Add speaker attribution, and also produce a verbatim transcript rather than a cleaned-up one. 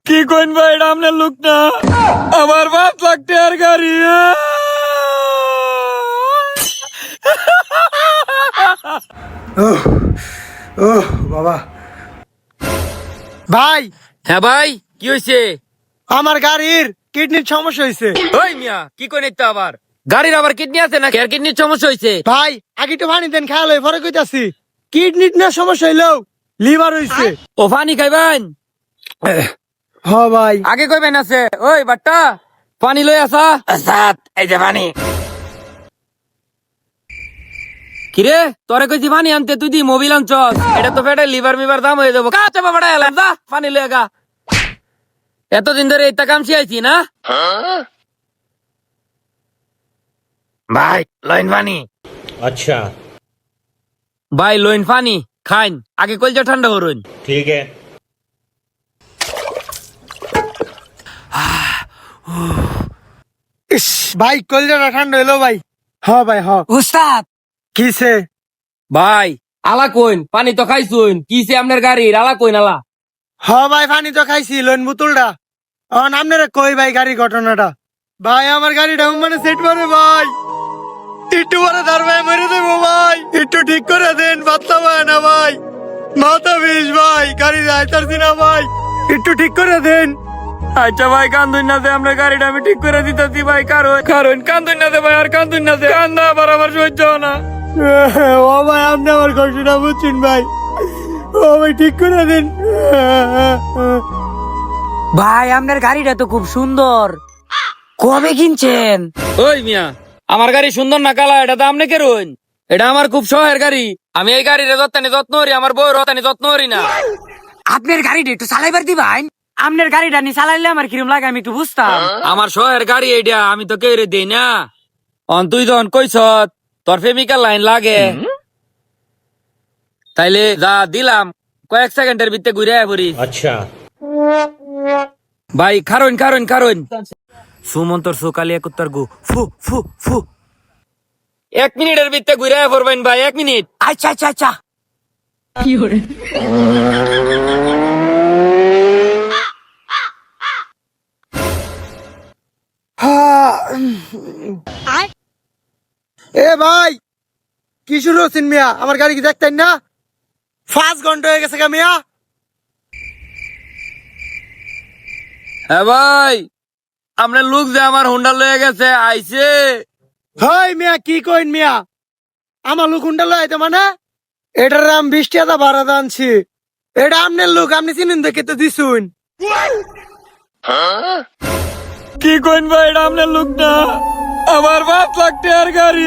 Speaker 1: কি কইন ভাই, এটা আপনার লোক না, আমার পাঁচ লাখ টাকার গাড়ি।
Speaker 2: ও বাবা ভাই,
Speaker 1: হ্যাঁ ভাই, কি হয়েছে?
Speaker 2: আমার গাড়ির কিডনির সমস্যা হয়েছে।
Speaker 1: ওই মিয়া, কি কইন তো আবার? গাড়ির আবার কিডনি আছে না? কেয়ার কিডনির সমস্যা হয়েছে?
Speaker 2: ভাই আগে একটু পানি দেন, খেয়াল হয়ে পরে কইতাছি। কিডনির না সমস্যা হইলো লিভার হইছে।
Speaker 1: ও পানি খাইবেন?
Speaker 2: হ ভাই,
Speaker 1: আগে কইবেন আছে। ওই বাট্টা, পানি লই আসা। সাত, এই যে পানি। কিরে, তোরে কইছি পানি আনতে, তুই দি মোবিল আনছস। এটা তো ফেটে লিভার মিভার দাম হয়ে যাবো। কাছে বাবাটা এলাম, যা পানি লই আগা। এতদিন ধরে এইটা কাম শিখাইছি না ভাই। লইন পানি।
Speaker 3: अच्छा
Speaker 1: ভাই লইন পানি খাইন, আগে কলজা ঠান্ডা করুন।
Speaker 3: ठीक है।
Speaker 2: ইস ভাই কলজাটা ঠান্ডা হইলো ভাই। হ ভাই হ।
Speaker 1: উস্তাদ
Speaker 2: কিসে?
Speaker 1: ভাই আলা কইন, পানি তো খাইছুন, কিছে আপনার গাড়ির? আলা কইন আলা।
Speaker 2: হ ভাই পানি তো খাইছি, লোন বোতলটা। এখন আপনারা কই ভাই গাড়ি ঘটনাটা। ভাই আমার গাড়িটা মানে সেট করে ভাই, একটু পরে ধর ভাই মেরে দেবো ভাই, একটু ঠিক করে দেন। বাচ্চা ভাই না ভাই, মাথা বিষ ভাই, গাড়ি যাইতারছি না ভাই, একটু ঠিক করে দেন।
Speaker 1: আচ্ছা ভাই, কান্দুন না দে, আপনার গাড়িটা আমি ঠিক করে দিতেছি ভাই। কারণ কারণ কান্দুন না দে ভাই, আর কান্দুন না দে, কান্দা আবার আমার সহ্য হয় না।
Speaker 2: ও ভাই আপনি আমার কষ্টটা বুঝছেন ভাই, ও ভাই ঠিক করে দেন।
Speaker 4: ভাই আপনার গাড়িটা তো খুব সুন্দর, কবে কিনছেন?
Speaker 1: ওই মিয়া, আমার গাড়ি সুন্দর না কালা, এটা তো আপনি কেরুন। এটা আমার খুব শখের গাড়ি, আমি এই গাড়ির যত্নে যত্ন করি, আমার বউর রতানি যত্ন করি না।
Speaker 4: আপনার গাড়িটা একটু চালাইবার দিবাই? আপনার গাড়িটা নি চালাইলে আমার কিরম লাগে আমি একটু বুঝতাম।
Speaker 1: আমার শখের গাড়ি এইটা, আমি তো কেউ দেই না। অন তুই যখন কইস তোর প্রেমিকার লাইন লাগে, তাইলে যা দিলাম, কয়েক সেকেন্ডের ভিতরে ঘুরে পড়ি।
Speaker 3: अच्छा
Speaker 1: ভাই খারুন খারুন খারুন। সুমন্তর সুকালি একুত্তর গু ফু ফু ফু। এক মিনিটের ভিতরে ঘুরে পড়বেন ভাই, এক মিনিট।
Speaker 4: আচ্ছা আচ্ছা আচ্ছা।
Speaker 2: এ ভাই কি শুরু হচ্ছেন মিয়া, আমার গাড়ি কি দেখতেন না? পাঁচ ঘন্টা হয়ে গেছে গা মিয়া।
Speaker 1: হ্যাঁ ভাই, আপনার লোক যে আমার হুন্ডা লয়ে গেছে আইছে।
Speaker 2: হাই মিয়া কি কইন মিয়া, আমার লোক হুন্ডা লইতে মানে? এটার দাম বিশ টাকা ভাড়া আনছি। এটা আপনার লোক, আপনি চিনেন দেখে তো দিছুন।
Speaker 1: কি কইন ভাই, এটা আপনার লোক না, আমার পাঁচ লাখ টাকার গাড়ি।